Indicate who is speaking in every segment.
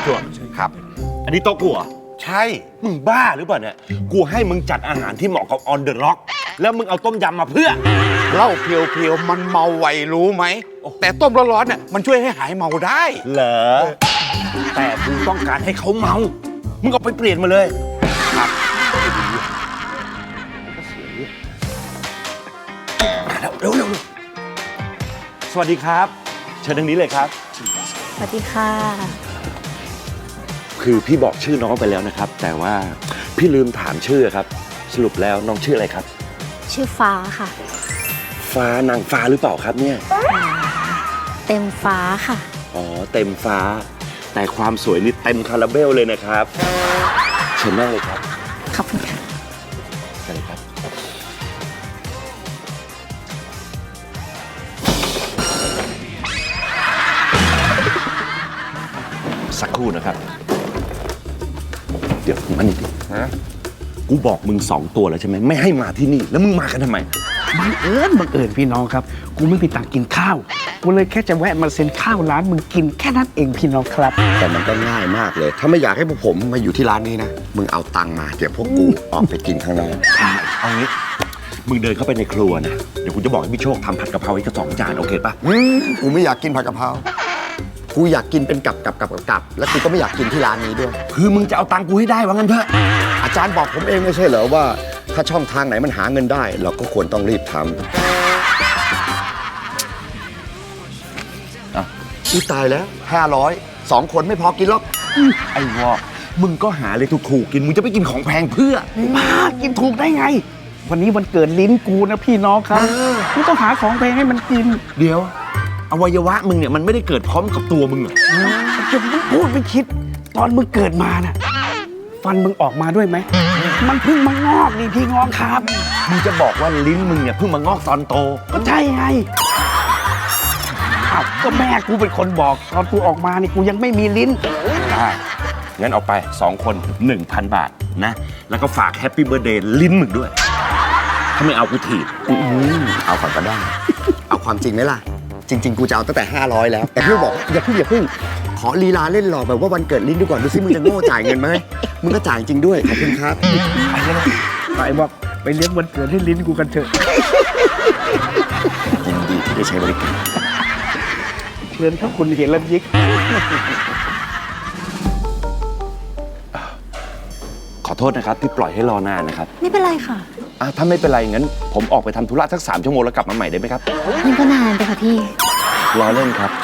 Speaker 1: จวบ
Speaker 2: ครับ
Speaker 1: อันนี้โต๊ะกูเหรอ
Speaker 2: ใช่
Speaker 1: มึงบ้าหรือเปล่าเนี่ยกูให้มึงจัดอาหารที่เหมาะกับออนเดอะร็อกแล้วมึงเอาต้มยำมาเพื่อ
Speaker 2: เหล้าเพียวๆมันเมาไวรู้ไหมแต่ต้มร้อนๆเนี่ยมันช่วยให้หายเมาได้
Speaker 1: เหรอแต่กูต้องการให้เขาเมามึงเอาไปเปลี่ยนมาเลยครับมาแล้วเร็วสวัสดีครับเชิญทางนี้เลยครับ
Speaker 3: สวัสดีค่ะ
Speaker 1: คือพี่บอกชื่อน้องไปแล้วนะครับแต่ว่าพี่ลืมถามชื่อครับสรุปแล้วน้องชื่ออะไรครับ
Speaker 3: ชื่อฟ้าค่ะ
Speaker 1: ฟ้านางฟ้าหรือเปล่าครับเนี่ย
Speaker 3: เต็มฟ้าค่ะ
Speaker 1: อ๋อเต็มฟ้าแต่ความสวยนี่เต็มคาราเบลเลยนะครับเชิญนั่งเลยครับ
Speaker 3: ขอบคุณค่ะ
Speaker 1: เชิญเลยครับสักครู่นะครับเดี๋ยวมานี่ดิกูบอกมึง2 ตัวแล้วใช่ไหมไม่ให้มาที่นี่แล้วมึงมากันทำไม
Speaker 4: บังเอิญพี่น้องครับกูไม่มีตังค์กินข้าวกูเลยแค่จะแวะมาเซ็นข้าวร้านมึงกินแค่นั้นเองพี่น้องครับ
Speaker 2: แต่มันก็ง่ายมากเลยถ้าไม่อยากให้พวกผมมาอยู่ที่ร้านนี้นะมึงเอาตังค์มาเดี๋ยวพวกกูออกไปกินข้างนอก
Speaker 1: เอางี้มึงเดินเข้าไปในครัวนะเดี๋ยวกูจะบอกให้พี่โชคทำผัดกะเพราให้กระ2 จานโอเคปะ
Speaker 2: กูไม่อยากกินผัดกะเพรากูอยากกินเป็นกับแล้วกูก็ไม่อยากกินที่ร้านนี้ด้วย
Speaker 1: คือมึงจะเอาตังค์กูให้ได้ว่างั้นเถอะ
Speaker 2: อาจารย์บอกผมเองไม่ใช่เหรอว่าถ้าช่องทางไหนมันหาเงินได้เราก็ควรต้องรีบทำอีตายแล้ว500 2 คนไม่พอกินหรอก
Speaker 1: ไอ้วอกมึงก็หาเลยถูกๆกินมึงจะไปกินของแพงเพื่อ
Speaker 4: มากินถูกได้ไงวันนี้วันเกิดลิ้นกูนะพี่น้องครับกูต้องหาของแพงให้มันกิน
Speaker 1: เดี๋ยวอวัยวะมึงเนี่ยมันไม่ได้เกิดพร้อมกับตัวมึงหรอ
Speaker 4: จะมึงพูดไม่คิดตอนมึงเกิดมาน่ะฟันมึงออกมาด้วยไหมมันเพิ่งมางอกนี่พี่น้องครับ
Speaker 1: มึงจะบอกว่าลิ้นมึงเนี่ยเพิ่งมางอกตอนโต
Speaker 4: ก็ใช่ไงอ้าวก็แม่กูเป็นคนบอกตอนกูออกมานี่กูยังไม่มีลิ้น
Speaker 1: ได้งั้นเอาไป2 คน 1,000 บาทนะแล้วก็ฝากแฮปปี้เบิร์ธเดย์ลิ้นมึงด้วยถ้าไม่เอากูถีบ
Speaker 2: เอาก่อนก็ได้เอาความจริงไหมล่ะจริงๆกูจะเอาตั้งแต่500แล้วแต่พี่บอกอย่าเพิ่งขอลีลาเล่นหล่อแบบว่าวันเกิดลิ้นดูก่อนดูซิมึงจะโง่จ่ายเงินไหมมึงก็จ่ายจริงด้วยขอบคุณครับ
Speaker 4: ไปบอกไปเลี้ยงวันเกิดให้ลิ้นกูกันเถอะ
Speaker 2: ยินดีที่ได้ใช้บริการ
Speaker 4: เชิญถ้าคุณเห็นแล้วยิก
Speaker 1: ขอโทษนะครับที่ปล่อยให้รอนานนะครับ
Speaker 3: ไม่เป็นไรค่ะ
Speaker 1: ถ้าไม่เป็นไรงั้นผมออกไปทำธุระสัก3 ชั่วโมงแล้วกลับมาใหม่ได้ไหมครับ
Speaker 3: มันก็นานไปค่ะพี่
Speaker 1: รอเล่นครับ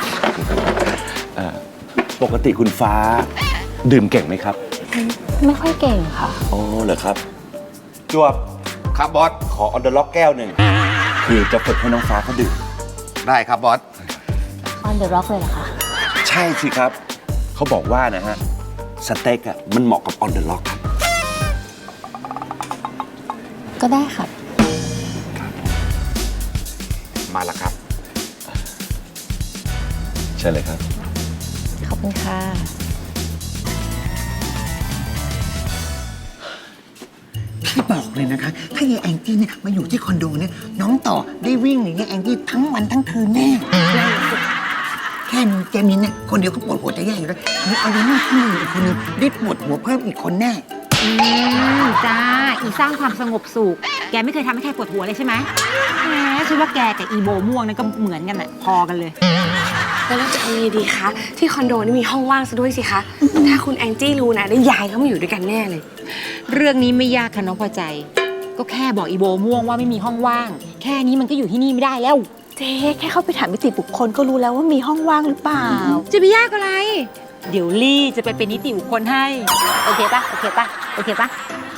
Speaker 1: ปกติคุณฟ้าดื่มเก่งไหมครับ
Speaker 3: ไม่ค่อยเก่งค่ะ
Speaker 1: อ๋อเหรอครับจวบ
Speaker 2: ครับบอส
Speaker 1: ขอออนเดอร์ล็อกแก้วหนึ่งคือจะฝึกให้น้องฟ้าเขาดื่ม
Speaker 2: ได้ครับบอส
Speaker 3: ออนเดอะร็อกเลยเหรอคะ
Speaker 1: ใช่สิครับเขาบอกว่านะฮะสเต็กอ่ะมันเหมาะกับออนเดอร์ล็อกครับ
Speaker 3: ก็ได้ครับ
Speaker 2: มาแล้วครับ
Speaker 1: เชิญเลยครับ
Speaker 3: ขอบคุณค่ะ
Speaker 5: พี่บอกเลยนะคะถ้ายายแองจี้เนี่ยมาอยู่ที่คอนโดเนี่ยน้องต่อได้วิ่งหนียายแองจี้ทั้งวันทั้งคืนแน่แค่มีแกมินเนี่ยคนเดียวก็ปวดหัวจะแย่อยู่แล้วมีเอาไว้ที่นึงอีกคนนึงได้ปวดหัวเพิ่มอีกคนแน่
Speaker 6: จ้าอีสร้างความสงบสุขแกไม่เคยทำให้ใครปวดหัวเลยใช่ไหมแหมฉันว่าแกกับอีโบม่วงนั่นก็เหมือนกันแหละพอกันเลย
Speaker 7: แล้วเราจะทำยังไงดีคะที่คอนโดนี่มีห้องว่างซะด้วยสิคะถ้าคุณแองจี้รู้นะได้ย้ายเขามาอยู่ด้วยกันแน่เลย
Speaker 6: เรื่องนี้ไม่ยากค่ะน้องพอใจก็แค่บอกอีโบม่วงว่าไม่มีห้องว่างแค่นี้มันก็อยู่ที่นี่ไม่ได้แล้ว
Speaker 3: เจ๊แค่เข้าไปถามนิติบุคคลก็รู้แล้วว่ามีห้องว่างหรือเปล่า
Speaker 6: จะไปยากอะไรเดี๋ยวลี่จะไปเป็นนิติบุคคลให้โอเคปะโอเคปะโอเคปะ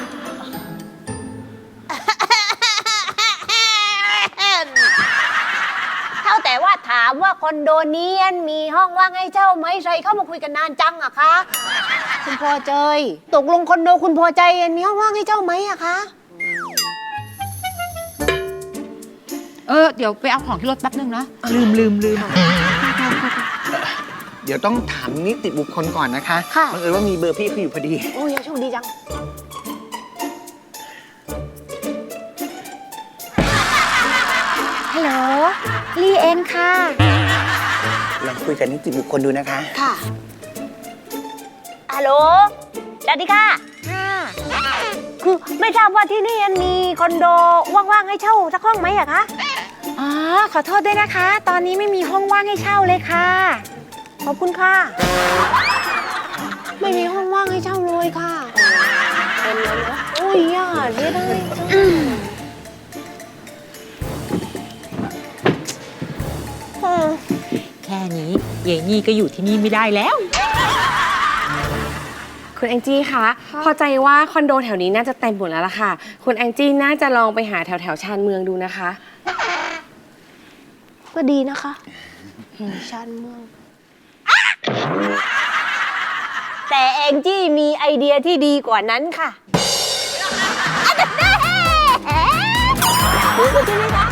Speaker 8: เท่าแต่ว่าถามว่าคอนโดนี้มีห้องว่างให้เช่าไหมใครเข้ามาคุยกันนานจังอะคะคุณพอใจตกลงคอนโดคุณพอใจมีห้องว่างให้เช่าไหมอะคะ
Speaker 6: เดี๋ยวไปเอาของที่รถแป๊บนึงนะลืม
Speaker 5: เดี๋ยวต้องถามนิติบุคคลก่อนนะคะ
Speaker 8: ค่ะ
Speaker 5: บังเอิญว่ามีเบอร์พี่เขาอยู่พอดี
Speaker 8: โอ้ยโชคดีจังฮัลโหลลีเองค่ะ
Speaker 5: ลองคุยกับนิติบุคคลดูนะคะ
Speaker 8: ค่ะฮัลโหลสวัสดีค่ะคือไม่ทราบว่าที่นี่มีคอนโดว่างๆให้เช่าสักห้องไหมอะคะ
Speaker 7: อ๋อ ขอโทษด้วยนะคะ ตอนนี้ไม่มีห้องว่างให้เช่าเลยค่ะ
Speaker 8: ขอบคุณค่ะ ไม่มีห้องว่างให้เช่าเลยค่ะโอ้ยอ่ะเสียดายจัง
Speaker 6: แค่นี้เยนี่ก็อยู่ที่นี่ไม่ได้แล้ว
Speaker 7: คุณแองจี้คะ พอใจว่าคอนโดแถวนี้น่าจะเต็มหมดแล้วล่ะค่ะ คุณแองจี้น่าจะลองไปหาแถวชานเมืองดูนะคะ
Speaker 8: ก็ดีนะคะชานเมืองแต่แองจี้มีไอเดียที่ดีกว่านั้นค่ะรู้ใช่ไหมคะ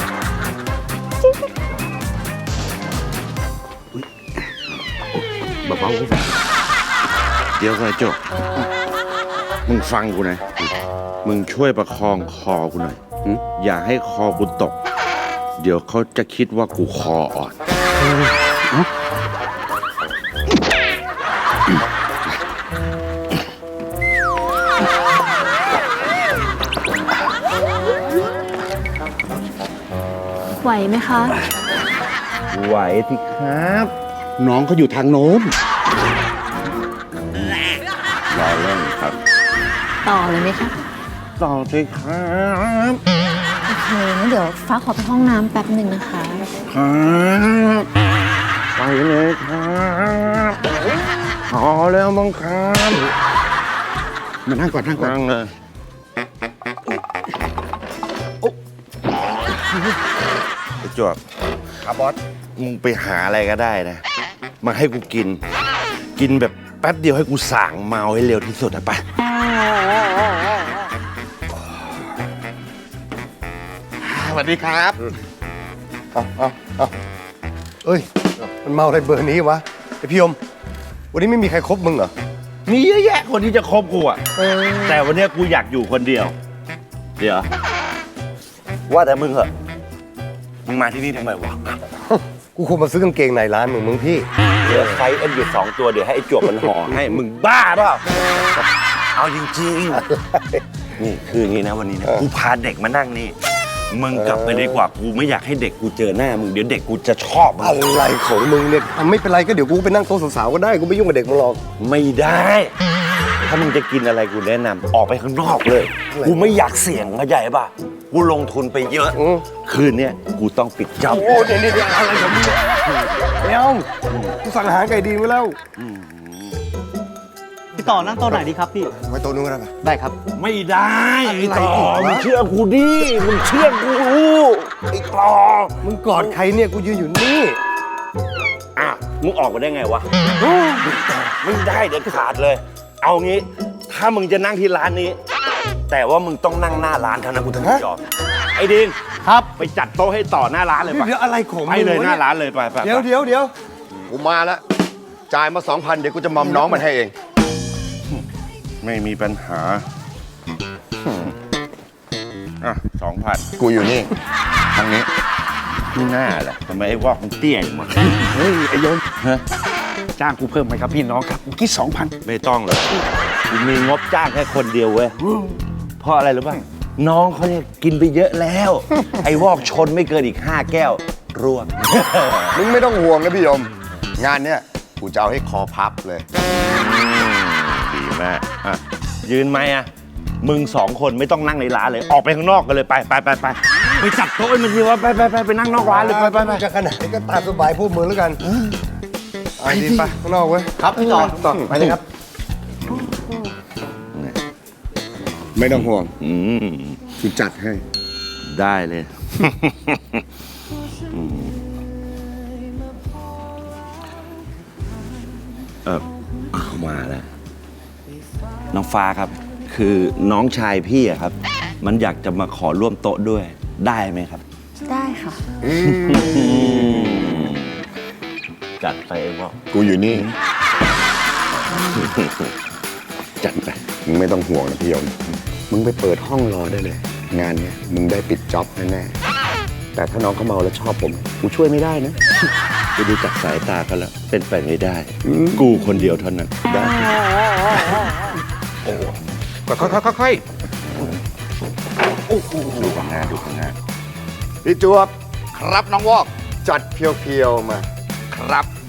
Speaker 1: เบาๆเดี๋ยวก่อนโจมึงฟังกูนะ มึงช่วยประคองคอกูหน่อย อย่าให้คอกูตก เดี๋ยวเขาจะคิดว่ากูคออ่อน
Speaker 3: ไหวไหมคะ
Speaker 1: ไหวสิครับ น้องเขาอยู่ทางโน้นรอเล่นครับ
Speaker 3: ต่อเลยไหมคะ
Speaker 1: ต่อสิครับ
Speaker 3: โอเคงั้นเดี๋ยวฟ้าขอไปห้องน้ำแป๊บหนึ่งนะคะ
Speaker 1: ครับไปเลยครับพอแล้วมั้งครับ
Speaker 2: มานั่งก่อนนั่งก่อน
Speaker 1: นั่งเลยไอ้จวบ
Speaker 2: ครับบอส
Speaker 1: มึงไปหาอะไรก็ได้นะ มาให้กูกิน กินแบบแป๊บเดียวให้กูส่างเมาให้เร็วที่สุดนะไป
Speaker 2: สวัสดีครับเอาเอ้ย มันเมาอะไรเบอร์นี้วะไอพี่ยม วันนี้ไม่มีใครคบมึงเหรอ
Speaker 1: มีเยอะแยะคนที่จะคบกูอะแต่วันเนี้ยกูอยากอยู่คนเดียว เดี๋ยว ว่าแต่มึงเหอะมึงมาที่นี่ทำไมวะ
Speaker 2: กูคงมาซื้อกางเกงในร้านมึงพี่
Speaker 1: เหลือไซส์เอ็นอยู่2 ตัวเดี๋ยวให้ไอ้จวบมันห่อให้มึงบ้าเปล่าเอาจริงๆนี่คืออย่างนี้นะวันนี้นะกูพาเด็กมานั่งนี่มึงกลับไปดีกว่ากูไม่อยากให้เด็กกูเจอหน้ามึงเดี๋ยวเด็กกูจะชอบมึง
Speaker 2: อะไรของมึงเนี่ยไม่เป็นไรก็เดี๋ยวกูไปนั่งโต๊ะสาวๆก็ได้ กูไม่ยุ่งกับเด็กมึงหรอก
Speaker 1: ไม่ได้ ถ้ามึงจะกินอะไรกูแนะนำออกไปข้างนอกเลย กูไม่อยากเสี่ยงเข้าใจป่ะกูลงทุนไปเยอะ คืนเนี้ยกูต้องปิดจ็อบ
Speaker 2: โอ้เดี๋ยวอะไรของมึงเนี่ยเดี๋ยวกูสั่งอาหารไก่ดีไว้แล้ว
Speaker 4: พี่ต่อนั่งโต๊ะไหนดีครับพี่
Speaker 2: ไว้โต๊ะนู้นก็ได้ปะ
Speaker 4: ได้ครับ
Speaker 1: ไม่ได้ไอ้ต่อ
Speaker 2: อะไรอีกวะ
Speaker 1: มึงเชื่อกูดิมึงเชื่อกูไอ้ต่อ
Speaker 2: มึงกอดใครเนี่ยกูยืนอยู่นี่
Speaker 1: อ่ะมึงออกมาได้ไงวะไม่ได้เด็ดขาดเลย เอางี้ ถ้ามึงจะนั่งที่ร้านนี้ แต่ว่ามึงต้องนั่งหน้าร้านเท่านั้นกูถึงจะยอมไอ้ดิน
Speaker 2: ครับ
Speaker 1: ไปจัดโต๊ะให้ต่อหน้าร้านเลยปะ
Speaker 2: เดี๋ยวอะไรของมึง
Speaker 1: ไปเลยว
Speaker 2: ะ
Speaker 1: หน้าร้านเลยไปไป
Speaker 2: เดี๋ยวกูมาแล้ว จ่ายมา 2,000 เดี๋ยวกูจะมอมน้องมันให้เอง
Speaker 1: ไม่มีปัญหาอ่ะ2,000
Speaker 2: กูอยู่นี่ ทางนี้
Speaker 1: ที่หน้าแหละทำไมไอ้วอกมันเตี้ยอย่างมัน
Speaker 4: เฮ้ยไอ้ยน
Speaker 1: ฮะ
Speaker 4: จ้างกูเพิ่มไหมครับพี่น้องครับเมื่อกี้2,000
Speaker 1: ไม่ต้องเลยกูมีงบจ้างแค่คนเดียวเว้ยเพราะอะไรรู้ป่ะน้องเขาเนี่ยกินไปเยอะแล้ว ไอ้วอกชนไม่เกินอีก5 แก้วร่วง
Speaker 2: มึงไม่ต้องห่วงนะพี่ยม งานเนี้ยกูจะเอาให้คอพับเลย
Speaker 1: ดีมากอ่ะยืนไหมอ่ะมึง2 คนไม่ต้องนั่งในร้านเลย ออกไปข้างนอกกันเลยไปไปจัดโต๊ะให้มันทีว่าไปนั่งนอกร้านเลยไป
Speaker 2: จะขนาดนี้ก็ตามสบายพวกมึงแล้วกันไปดิไปข้างนอกเว้ย ครับพี่ต่อไปเลยครับ ไม่ต้องห่วง
Speaker 1: อืม
Speaker 2: กูจัดให้
Speaker 1: ได้เลย เอามาแล้ว น้องฟ้าครับ คือน้องชายพี่อะครับ มันอยากจะมาขอร่วมโต๊ะด้วย ได้ไหมครับ
Speaker 3: ได้ค่ะ
Speaker 1: จัดไปไอ้พ่อ
Speaker 2: กูอยู่นี่
Speaker 1: จัดไป
Speaker 2: มึงไม่ต้องห่วงนะพี่ยม มึงไปเปิดห้องรอได้เลย งานเนี้ยมึงได้ปิดจ็อบแน่ๆแต่ถ้าน้องเขาเมาแล้วชอบผม กูช่วยไม่ได้นะ
Speaker 1: กูดูจากสายตาเขาแล้ว เป็นไปไม่ได้ กูคนเดียวเท่านั้น
Speaker 2: ได้
Speaker 4: โอ้ค่อย
Speaker 1: ดูผลงานดูผลงาน
Speaker 2: พี่จวบ
Speaker 4: ๆครับน้องวอก
Speaker 2: จัดเพียวๆมา
Speaker 4: ครับ